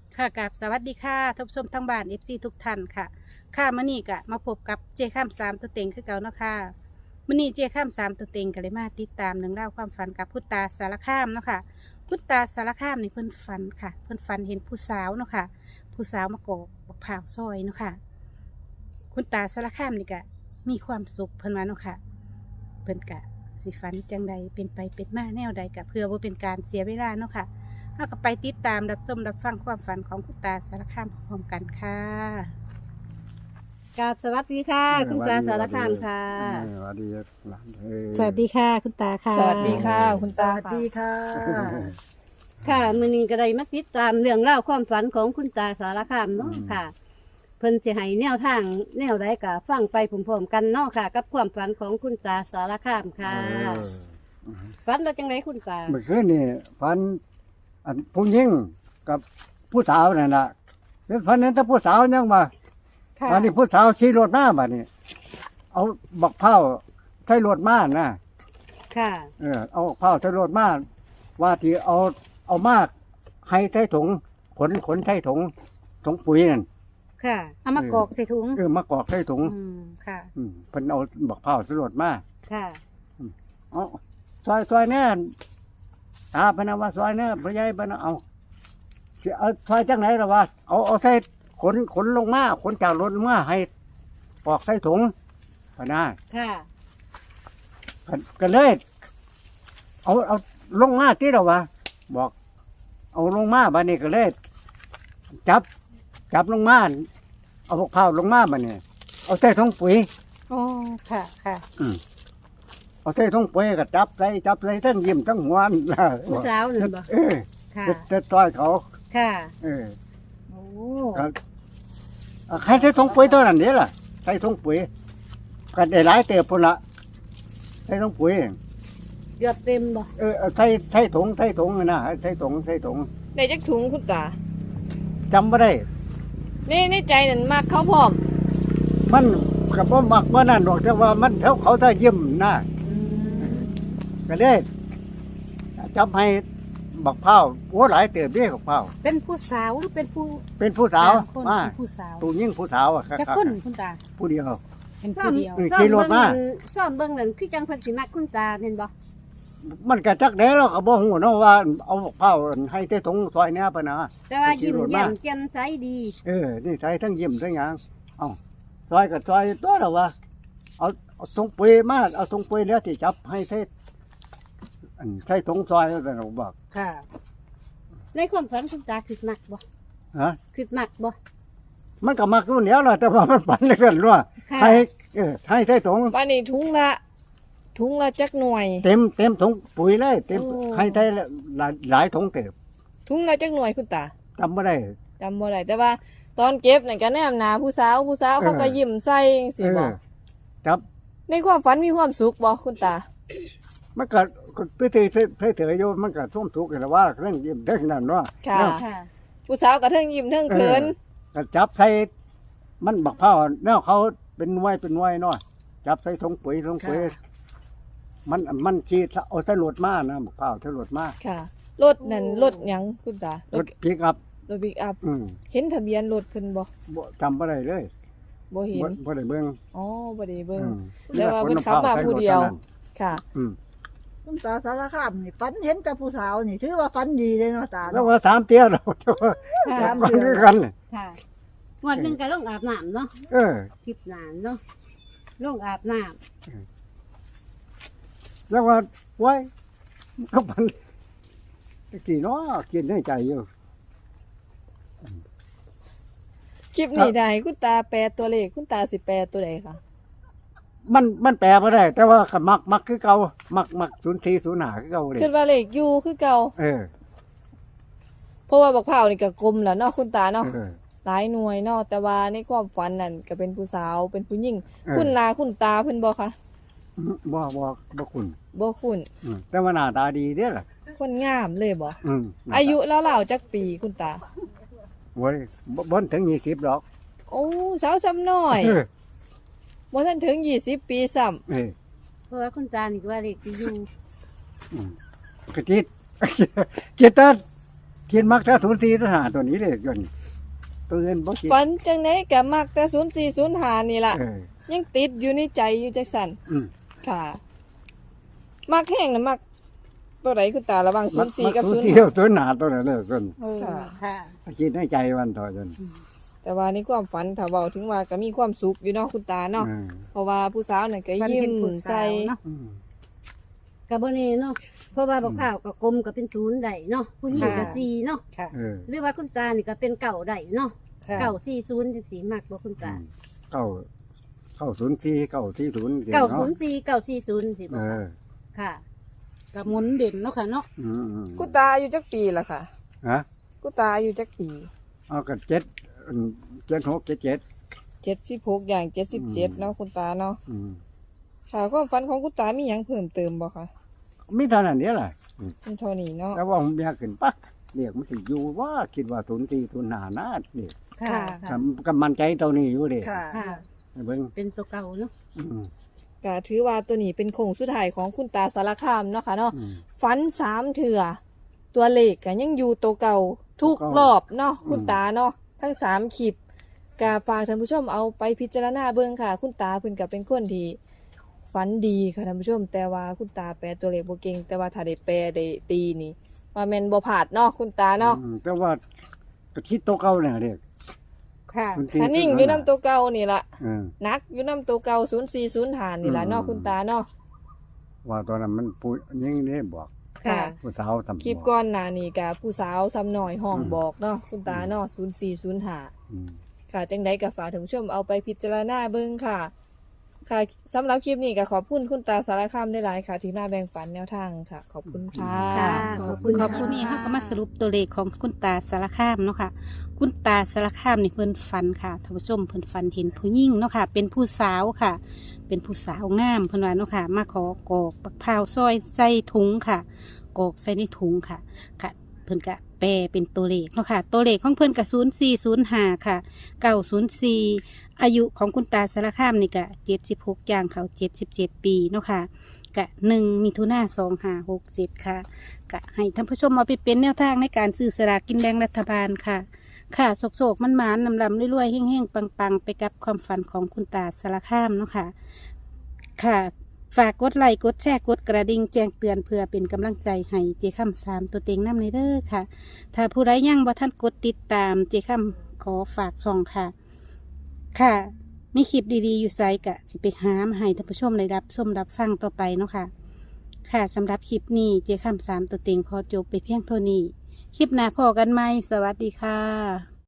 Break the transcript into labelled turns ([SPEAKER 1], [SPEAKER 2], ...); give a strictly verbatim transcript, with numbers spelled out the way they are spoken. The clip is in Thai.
[SPEAKER 1] ค่ะกับสวัสดีค่ะท่านผู้ชมทั้งบ้านเอฟซีทุกท่านค่ะค่ะมื่อนี้ก็มาพบกับเจข้ามสามตัวเต็งคือเก่าเนาะค่ะมื่อนี้เจข้ามสามตัวเต็งก็เลยมาติดตามเรื่องราวความฝันกับพุทธาสารคามเนาะค่ะพุทธาสารคามนี่เพิ่นฝันค่ะเพิ่นฝันเห็นผู้สาวเนาะค่ะผู้สาวมาโกกบักพร้าวซอยเนาะค่ะคุณตาสารคามนี่ก็มีความสุขเพิ่นว่าเนาะค่ะเพิ่นกะสิฝันจังใดเป็นไปเป็นมาแนวใดกะเพื่อว่าเป็นการเสียเวลาเนาะค่ะ เราก็ไปติดตามรับชมรับฟังความฝันของคุณตาสารคามพร้อมกันค่ะกราบสวัสดีค่ะ
[SPEAKER 2] เออ
[SPEAKER 1] คุณตาสารคามค่ะ
[SPEAKER 2] เออสวัสดีหลานเอ้ย
[SPEAKER 1] สวัสดีค่ะ คุณตาค่ะ
[SPEAKER 3] สวัสดีค่ะ คุณ
[SPEAKER 4] ส
[SPEAKER 3] ตา
[SPEAKER 4] วัสดีค่ะ
[SPEAKER 1] ค่ะมือนี้ก็ได้มาติดตามเรื่องเล่าวความฝันของคุณตาสารคามเนาะค่ะ เพิ่นสิให้แนวทางแนวใดก็ฟังไปพร้อมๆกันเนาะค่ะ กับความฝันของคุณตาสารคามค่ะ
[SPEAKER 2] เออ
[SPEAKER 1] ฝันว่าจังไดคุณตา
[SPEAKER 2] เมื่อคืนนี่ฝันอันผู้หญิงกับผู้สาวนั่นล่ะเป็นฝันนั้นแต่ผู้สาวยังมา
[SPEAKER 1] ค่ะ
[SPEAKER 2] อันนี้ผู้สาวขี่รถมาบัดนี้ เอาบักเผาใส่รถมานะ
[SPEAKER 1] ค่ะ
[SPEAKER 2] เออเอาบักเผาใส่รถมาว่าที่เอาเอามากให้ใส่ถุงขนขนใส่ถุงถุงปุ๋ยนั่น
[SPEAKER 1] ค่ะเอามากอกใส่ถุง
[SPEAKER 2] เออมากอกใส่ถุง
[SPEAKER 1] อืมค่ะ
[SPEAKER 2] อืมเพิ่นเอาบักเผาใส่รถมา
[SPEAKER 1] ค่ะ
[SPEAKER 2] เอาซอยซอยแน่ตาพนว่าซอยแน่พระยายพนเอาสิเอาซอยจังไหนล่ะวะเอาเอาใส่ขนขนลงมาขนจากรถมาให้ปอกใส่ถุงพะนา
[SPEAKER 1] ค่ะ
[SPEAKER 2] ก็ก็เลย เอาเอาลงมาที่เราวะบอก เอาลงมาบ้านนี้ก็เลยจับ จับลงมาเอาพวกเผาลงมาบ้านนี้เอาใส่ถุงปุ๋ย
[SPEAKER 1] โอ้ค่ะค่ะ
[SPEAKER 2] อืมเอาใส่ถุงปุ๋ยก็จับใส่จับใส่ทั้งยิ้มทั้งหัวนั่นล่ะ
[SPEAKER 1] ผู้สาวนั่นบ่
[SPEAKER 2] เออ
[SPEAKER 1] ค่ะ
[SPEAKER 2] จะต่อยเขา
[SPEAKER 1] ค่ะ
[SPEAKER 2] เออ
[SPEAKER 1] โอ้
[SPEAKER 2] ก็อ่ะใครใส่ถุงปุ๋ยตัวนั้นเดียวล่ะใส่ถุงปุ๋ยก็ได้หลายเติบพุ่นละใส่ถุงปุ๋ย
[SPEAKER 1] ยอดเต็มบ่
[SPEAKER 2] เออเอาใส่ใส่ถุงใส่ถุงนะใส่ถุงใส่ถุง
[SPEAKER 3] ในจักถุงคุณตา
[SPEAKER 2] จำไม่ได้
[SPEAKER 3] นี่ในใจนั่นมากเขาพร้อม
[SPEAKER 2] มันกับว่ามักว่านั่นหรอกแต่ว่ามันเขาเขาถ้ายิ้มนะก็เลยจำให้บักเผาโอ้หลายเติบเด้บักเผา
[SPEAKER 1] เป็นผู้สาวหรือเป็นผู้
[SPEAKER 2] เป็นผู้สาว
[SPEAKER 1] คน
[SPEAKER 2] มา
[SPEAKER 1] เป็นผู้สาว
[SPEAKER 2] ผู้ยิ่งผู้สาวอ่ะ
[SPEAKER 1] จะคนคุณตา
[SPEAKER 2] ผู้เดียว
[SPEAKER 1] เป็นผู้เดียว
[SPEAKER 2] เออขี่รถมา
[SPEAKER 1] ซ่อมเบิ่งนั่นคือจังเพิ่นสิมักคุณตาเห็นบ่
[SPEAKER 2] มันก็จักได้เราก็บ่ฮู้เนาะว่าเอาบักเผาให้ใส่ถุงซอยเนี้ยปะนะ
[SPEAKER 1] แต่ว่า
[SPEAKER 2] ขี่
[SPEAKER 1] ยิ้ม
[SPEAKER 2] รถมา
[SPEAKER 1] แย้มแจ่มใสดี
[SPEAKER 2] เออ นี่ใส่ทั้งยิ้มทั้งหยังเอาซอยกับซอยตัวเราวะเอาเอาถุงปุ๋ยมา เอาถุงปุ๋ยแล้วที่จับให้ใส่อันใส่ถุงซอยแล้วเราบอก
[SPEAKER 1] ค่ะ ในความฝันคุณตาคิดมักบ่
[SPEAKER 2] ฮะ
[SPEAKER 1] คิดมักบ่
[SPEAKER 2] มันก็มักรุ่นเดียวแหละแต่ว่ามันฝันเหลยกันว่า
[SPEAKER 1] ค่ะ
[SPEAKER 2] ให้เออให้ใส่ถุง
[SPEAKER 3] วันนี้ถุงละ ถุงละจักหน่วย
[SPEAKER 2] เต็มเต็มถุงปุ๋ยเลยเต็ม
[SPEAKER 3] โอ้
[SPEAKER 2] ให้ใส่หลายหลายถุงเต็ม
[SPEAKER 3] ถุงละจักหน่วยคุณตา
[SPEAKER 2] จำไม่ได้
[SPEAKER 3] จำบ่ได้แต่ว่าตอนเก็บนั่นก็แนมหนาผู้สาวผู้สาว
[SPEAKER 2] เออ
[SPEAKER 3] เขาก็ยิ้มใส่จัง
[SPEAKER 2] เอ
[SPEAKER 3] ซี่บ่
[SPEAKER 2] อจับ
[SPEAKER 3] ในความฝันมีความสุขบ่คุณตา
[SPEAKER 2] มันก็ก็ไปเถอะไปเถอะโยมมันก็ส้มทุกข์กันว่าเรื่องยิ้มเรื่องนั้นว่า
[SPEAKER 3] ค่ะ
[SPEAKER 2] แล้ว
[SPEAKER 1] ค่ะ
[SPEAKER 3] ผู้สาวก็เทิงยิ้มเทิงเขิน
[SPEAKER 2] ก็จับใส่มันบักเผาแนวเขาเป็นหน่วยเป็นหน่วยเนาะจับใส่ถุงปุ๋ยถุงปุ๋ยมันมันชีดเอาใส่รถมานะบักเผาใส่รถมา
[SPEAKER 3] ค่ะรถนั่นรถหยังคุณตาร
[SPEAKER 2] ถพิกอัพ
[SPEAKER 3] รถบิ๊กอัพ
[SPEAKER 2] อืม
[SPEAKER 3] เห็นทะเบียนรถเพิ่นบ่
[SPEAKER 2] บ่จำบ่ได้เลย
[SPEAKER 3] บ่เห็
[SPEAKER 2] บ่
[SPEAKER 3] น
[SPEAKER 2] บ่ได้เบิ่ง
[SPEAKER 3] อ๋อบ่ได้เบิ่ง
[SPEAKER 2] อืม
[SPEAKER 3] แต่ว่าเพิ่นขับมาผู้เดียว ค่ะ
[SPEAKER 2] อืม
[SPEAKER 4] คุณตาสารคามนี่ฝันเห็นแต่ผู้สาวนี่ถือว่าฝันดีเลยเนาะตา
[SPEAKER 2] แล้ว
[SPEAKER 4] เนาะ
[SPEAKER 2] ว่าสามเตี้ยเราจะว่า
[SPEAKER 1] ค่ะ
[SPEAKER 4] สาม
[SPEAKER 2] มันคือกันเลย
[SPEAKER 1] ค่ะงวดหนึงก็ลงอาบน้ำเนาะ
[SPEAKER 2] เออ
[SPEAKER 1] คลิปนานเนาะลงอาบน้
[SPEAKER 2] แล้วว่าไว้ก็มันตะกี้เนาะกินในใจอยู่
[SPEAKER 3] คลิปนี้ได้คุณตาแปลตัวเลขคุณตาสิแปลตัวใดคะ
[SPEAKER 2] มันมันแปลบ่ได้ แต่ว่าก็มักมักคือเก่ามักมักศูนย์สี่ศูนย์ห้าคือเก่าเลย
[SPEAKER 3] คิดว่าเลขอยู่คือเก่า
[SPEAKER 2] เออ
[SPEAKER 3] เพราะว่าบักเผาวนี่ก็กลมแหล้วเนาะคุณตาเนาะ
[SPEAKER 2] เออ
[SPEAKER 3] หลายหน่วยเนาะแต่ว่าในความฝันนั่นก็เป็นผู้สาวเป็นผู้หญิง
[SPEAKER 2] เออ
[SPEAKER 3] คุณนาคุณตาเพิ่นบ่คะ
[SPEAKER 2] บ่บ่บ่คุณ
[SPEAKER 3] บ่คุณ
[SPEAKER 2] อืมแต่ว่าหน้าตาดีเด้อล่ะ
[SPEAKER 3] คนงามเลยบ่
[SPEAKER 2] อืม
[SPEAKER 3] อายุแล้วเล่าๆจักปีคุณตา
[SPEAKER 2] โว้ยบ่บ่ถึงยี่สิบดอก
[SPEAKER 3] โอ้สาวซ้ำน้อย
[SPEAKER 2] เออ
[SPEAKER 3] บ่ทันถึงยี่สิบปีซ้ำ
[SPEAKER 2] เออ
[SPEAKER 1] ำเพราะว่าคุณตานี่ก็ว่าเด็กที่อยู่
[SPEAKER 2] อืมกะจิต จิตตาคิดมักถ้าศูนย์สี่ทหารตัวนี้เลยจนตัวเงินบ่คิด
[SPEAKER 3] ฝันจังไหนก็มักแต่ศูนย์สี่ศูนย์ห้านี่ล่ะ
[SPEAKER 2] เออ
[SPEAKER 3] ยังติดอยู่ในใจอยู่จักสัน
[SPEAKER 2] อืม
[SPEAKER 3] ค่ะ มักแห้งนะมักตัวไหนคุณตาระหวังศูนย์สี่กับ
[SPEAKER 2] ศู
[SPEAKER 3] ศู
[SPEAKER 2] น
[SPEAKER 3] น
[SPEAKER 2] ย์
[SPEAKER 3] ย์
[SPEAKER 2] สี่กับศูนย์หาตัวนั้นเลยจน
[SPEAKER 3] ค่ะ
[SPEAKER 1] ค่ะ
[SPEAKER 2] คิดในใจวันต่อจน
[SPEAKER 3] แต่ว่าในความฝันถ้าเว้าถึงว่าก็มีความสุขอยู่เนาะคุณตาเนาะ
[SPEAKER 2] เออ
[SPEAKER 3] เพราะว่าผู้สาวน่ะก็
[SPEAKER 1] ฝัน
[SPEAKER 3] ยิ้
[SPEAKER 1] เห็
[SPEAKER 3] ม
[SPEAKER 1] นผู้
[SPEAKER 3] ใส่
[SPEAKER 1] สาวเนาะ
[SPEAKER 2] อืม
[SPEAKER 5] กับบนี่เนาะเพราะว่าบอกข่าวกับกลมก็เป็นศูนย์ได้เนาะผู้หญิงก็สี่เนาะ
[SPEAKER 1] ค่ะ
[SPEAKER 2] เออ
[SPEAKER 5] หรือว่าคุณตานี่ก็เป็นเก่าได้เนาะ
[SPEAKER 1] ค่ะ
[SPEAKER 5] เก่าสี่ศูนย์จังสีมากกว่าคุณตา
[SPEAKER 2] เก้าเก้าศูนย์สี่เก้าสี่ศูนย์
[SPEAKER 5] เก่าศูนย์สี่เก่าสี่ศูนย์สิบ
[SPEAKER 2] เอ
[SPEAKER 5] อก
[SPEAKER 2] อ
[SPEAKER 5] ค่ะ
[SPEAKER 1] กับหมุนเด่นเนาะค่ะเนาะ
[SPEAKER 2] อืมอืม
[SPEAKER 3] คุณตาอายุจักปีล่ะค่ะ
[SPEAKER 2] ฮะ
[SPEAKER 3] คุณตาอายุจักปี
[SPEAKER 2] เอากันเจ็ดอืมเจ็ดหกเจ็ดเจ็ด
[SPEAKER 3] เจ็ดสิบหกอย่างเจ็ดสิบเจ็ดเนาะคุณตาเนาะ
[SPEAKER 2] อืม
[SPEAKER 3] ค่ะความฝันของคุณตามีหยังเพิ่มเติมบ่คะ
[SPEAKER 2] มีเท่านั้นเนี่ยแหละ
[SPEAKER 3] เป็นเท่านี้เนาะ
[SPEAKER 2] แต่ว่าผมอยากขึ้นปะเรียกมันสิอยู่ว่าคิดว่าศูนย์สี่ศูนย์หานาเด็ก
[SPEAKER 1] ค่ะ
[SPEAKER 5] ค่ะ
[SPEAKER 2] ก็มั่นใจตัวนี้อยู่เด็ก
[SPEAKER 4] ค่ะ
[SPEAKER 5] ค่ะ
[SPEAKER 2] เบิ่ง
[SPEAKER 5] เป็นตัวเก่าเนาะ
[SPEAKER 2] อืม
[SPEAKER 3] ก็ถือว่าตัวนี้เป็นโครงสุดท้ายของคุณตาสารคามเนาะค่ะเนาะ
[SPEAKER 2] อืม
[SPEAKER 3] ฝันสามเถื่อตัวเลขก็ยังอยู่ตัวเก่าทุก
[SPEAKER 2] ตัวเก่าร
[SPEAKER 3] อบเนาะ
[SPEAKER 2] อืม
[SPEAKER 3] คุณตาเนาะทั้งสามคลิปกาฝากท่านผู้ชมเอาไปพิจารณาเบิ่งค่ะ คุณตาเพิ่นก็เป็นคนที่ฝันดีค่ะท่านผู้ชม แต่ว่าคุณตาแปลตัวเลขบ่เก่งแต่ว่าถ้าได้แปลได้ตีนี่ว่าแม่นบ่พลาดเนาะคุณตาเนาะ
[SPEAKER 2] อืมแต่ว่าก็คิดตัวเก่าเนี่ยเด็ก
[SPEAKER 1] ค่ะ
[SPEAKER 2] ศูนย์สี่
[SPEAKER 3] ถ้านิ่งอยู่นํตัวเก่านี่ล่ะ
[SPEAKER 2] เออ
[SPEAKER 3] นักอยู่นํตัวเก่าศูนย์สี่ศูนย์ห้านี่ล่ะเนาะ
[SPEAKER 2] อืม
[SPEAKER 3] คุณตาเนาะ
[SPEAKER 2] ว่าตอนนั้นมันพูดยิ่งได้บอก
[SPEAKER 3] ค่ะ
[SPEAKER 2] ผู้สาวทำ
[SPEAKER 3] คลิปก่อนหน้านี้ก็ผู้สาวซ้ำน้อยห้องบอกเนาะคุณตาเนาะศูนย์สี่ศูนย์ห้า
[SPEAKER 2] อืม
[SPEAKER 3] ค่ะจังใดก็ฝากท่านผู้ชมเอาไปพิจารณาเบิ่งค่ะ ค่ะสำหรับคลิปนี้ก็ขอบคุณคุณตาสารคามได้หลายค่ะ ที่มาแบ่งปันแนวทางค่ะ ขอบคุณค่ะ
[SPEAKER 5] ค่ะ ขอบคุณ
[SPEAKER 1] ขอบคุณนี่ค่ะก็มาสรุปตัวเลขของคุณตาสารคามเนาะค่ะ คุณตาสารคามนี่เพิ่นฝันค่ะท่านผู้ชมเพิ่นฝันเห็นผู้หญิงเนาะค่ะ เป็นผู้สาวค่ะ เป็นผู้สาวงามเพิ่นว่าเนาะค่ะ มาขอกอกบักพร้าวซอยใส่ถุงค่ะกอกใส่ในถุงค่ะค่ะ เพิ่นก็แปลเป็นตัวเลขเนาะค่ะ ตัวเลขของเพิ่นก็ศูนย์สี่ศูนย์ห้าค่ะเก้าศูนย์สี่อายุของคุณตาสารคามนี่ก็เจ็ดสิบหกย่างเขาเจ็ดสิบเจ็ดปีเนาะค่ะกะหนึ่งมิถุนาสองห้าหกเจ็ดค่ะกะให้ท่านผู้ชมเอาไปเป็นแนวทางในการซื้อสลากกินแบ่งรัฐบาลค่ะ ค่ะโศกๆมันหมานๆลำๆรวยๆเฮ้งๆปังๆ ไปกับความฝันของคุณตาสารคามเนาะค่ะ ค่ะ ฝากกดไลค์กดแชร์กดกระดิ่งแจ้งเตือนเพื่อเป็นกำลังใจให้เจคำสามตัวเต็งน้ำในเด้อค่ะ ถ้าผู้ใดยังบ่ท่านกดติดตามเจคำขอฝากช่องค่ะ ค่ะ มีคลิปดีๆอยู่ไซกะสิไปหามาให้ท่านผู้ชมได้รับชมรับฟังต่อไปเนาะค่ะ ค่ะสำหรับคลิปนี้เจคำสามตัวเต็งขอจบไปเพียงเท่านี้ คลิปหน้าพอกันไหมสวัสดีค่ะ